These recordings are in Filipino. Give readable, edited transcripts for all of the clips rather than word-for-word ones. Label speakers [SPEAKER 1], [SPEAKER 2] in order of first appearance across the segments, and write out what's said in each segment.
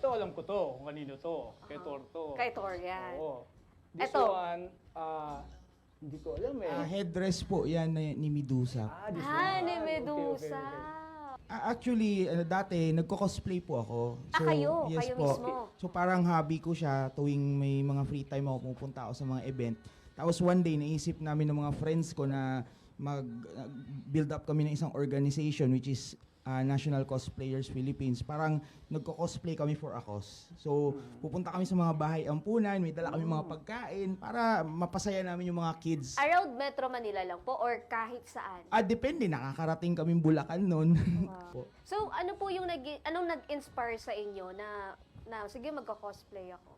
[SPEAKER 1] ito alam ko to, kung kanino to. Kay Tor to.
[SPEAKER 2] Kay Tor yan.
[SPEAKER 1] Oo. This
[SPEAKER 2] Eto.
[SPEAKER 1] one, hindi ko alam eh.
[SPEAKER 3] Headdress po yan ni Medusa.
[SPEAKER 1] This
[SPEAKER 2] Ah,
[SPEAKER 1] one.
[SPEAKER 2] ni
[SPEAKER 1] Okay,
[SPEAKER 2] Medusa.
[SPEAKER 3] Actually, dati, nagko-cosplay po ako.
[SPEAKER 2] Kayo?
[SPEAKER 3] Yes
[SPEAKER 2] Kayo
[SPEAKER 3] po.
[SPEAKER 2] mismo?
[SPEAKER 3] So parang hobby ko siya tuwing may mga free time ako, pupunta ako sa mga event. Tapos one day, naisip namin ng mga friends ko na mag-build up kami ng isang organization which is National Cosplayers Philippines. Parang nagko-cosplay kami for a cause. So, pupunta kami sa mga bahay ampunan, may dala kami mga pagkain para mapasaya namin yung mga kids.
[SPEAKER 2] Around Metro Manila lang po or kahit saan?
[SPEAKER 3] Depende, nakakarating kaming Bulacan noon.
[SPEAKER 2] Wow. So, ano po yung anong nag-inspire sa inyo na sige, magko-cosplay ako?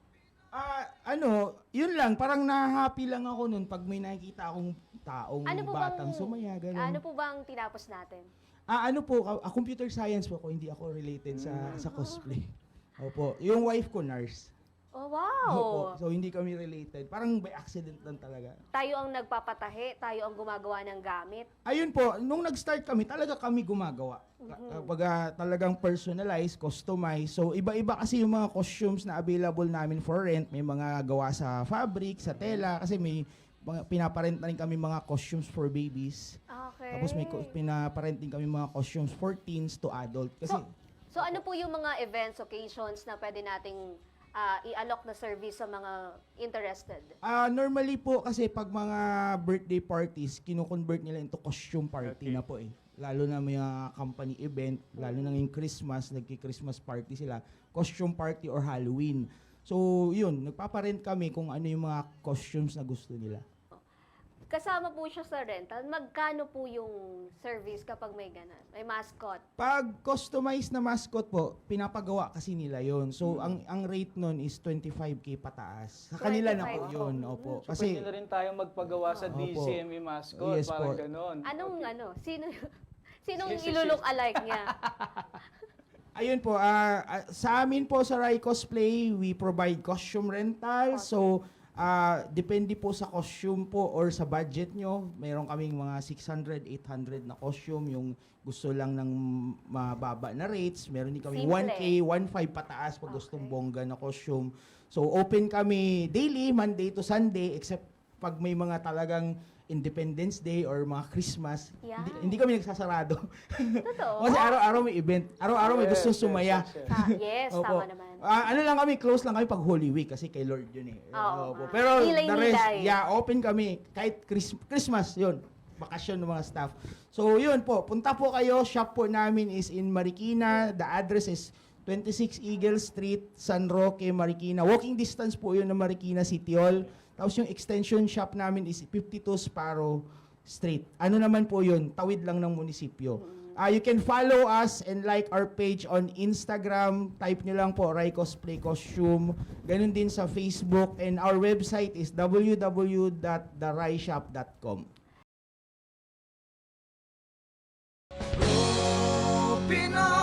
[SPEAKER 3] Yun lang, parang na-happy lang ako nun pag may nakikita akong taong batang sumaya, ganun.
[SPEAKER 2] Ano po bang tinapos natin?
[SPEAKER 3] Computer science po ako, hindi ako related sa cosplay. Opo, yung wife ko nurse.
[SPEAKER 2] Oh, wow!
[SPEAKER 3] Opo, so hindi kami related. Parang by accident lang talaga.
[SPEAKER 2] Tayo ang nagpapatahi, tayo ang gumagawa ng gamit.
[SPEAKER 3] Ayun po, nung nag-start kami, talaga kami gumagawa. Kapag talagang personalized, customized. So iba-iba kasi yung mga costumes na available namin for rent. May mga gawa sa fabric, sa tela, kasi may pinaparent na rin kami mga costumes for babies.
[SPEAKER 2] Okay.
[SPEAKER 3] Tapos may pinaparent din kami mga costumes for teens to adult. Kasi
[SPEAKER 2] So ano po yung mga events, occasions na pwede nating i-alok na service sa mga interested?
[SPEAKER 3] Normally po kasi pag mga birthday parties, kino-convert nila into costume party na po eh. Lalo na may company event, lalo na ngayong Christmas, nagki-Christmas party sila, costume party or Halloween. So yun, nagpaparent kami kung ano yung mga costumes na gusto nila.
[SPEAKER 2] Kasama po siya sa rental. Magkano po yung service kapag may ganun? May mascot?
[SPEAKER 3] Pag customized na mascot po, pinapagawa kasi nila yon. So ang rate nun is 25K pataas. Sa kanila na po
[SPEAKER 2] 25.
[SPEAKER 3] yun. Opo.
[SPEAKER 1] So,
[SPEAKER 3] Kasi
[SPEAKER 1] pwede na rin tayo magpagawa sa
[SPEAKER 3] Opo.
[SPEAKER 1] DCME mascot,
[SPEAKER 3] Yes
[SPEAKER 1] parang
[SPEAKER 3] po.
[SPEAKER 1] ganon.
[SPEAKER 2] Anong sinong
[SPEAKER 1] Sige, sige.
[SPEAKER 2] ilulok alike niya?
[SPEAKER 3] ayun po, sa amin po sa Rai Cosplay, we provide costume rental. So, depende po sa costume po or sa budget nyo. Meron kaming mga 600, 800 na costume. Yung gusto lang ng mababa na rates. Meron din kami
[SPEAKER 2] Simple.
[SPEAKER 3] 1K, 1.5 pataas pag gustong bongga na costume. So, open kami daily, Monday to Sunday, except pag may mga talagang Independence Day or mga Christmas,
[SPEAKER 2] Yeah.
[SPEAKER 3] hindi kami nagsasarado.
[SPEAKER 2] Totoo?
[SPEAKER 3] Kasi araw-araw may event. Araw-araw may
[SPEAKER 1] Yes,
[SPEAKER 3] gustong
[SPEAKER 1] yes,
[SPEAKER 3] sumaya.
[SPEAKER 1] yes, yes.
[SPEAKER 2] Yes,
[SPEAKER 3] Opo.
[SPEAKER 2] tama naman.
[SPEAKER 3] Ano lang kami, close lang kami pag Holy Week kasi kay Lord yun eh.
[SPEAKER 2] Oo
[SPEAKER 3] Opo.
[SPEAKER 2] nga.
[SPEAKER 3] Pero the rest,
[SPEAKER 2] Nilay-nilay.
[SPEAKER 3] open kami. Kahit Christmas, yun. Bakasyon ng mga staff. So yun po, punta po kayo. Shop po namin is in Marikina. The address is 26 Eagle Street, San Roque, Marikina. Walking distance po yun ng Marikina City Hall. Tapos yung extension shop namin is 52 Sparrow Street. Ano naman po yun? Tawid lang ng munisipyo. You can follow us and like our page on Instagram. Type nyo lang po, Rai Cosplay Costume. Ganun din sa Facebook. And our website is www.theraishop.com.
[SPEAKER 4] Pinoy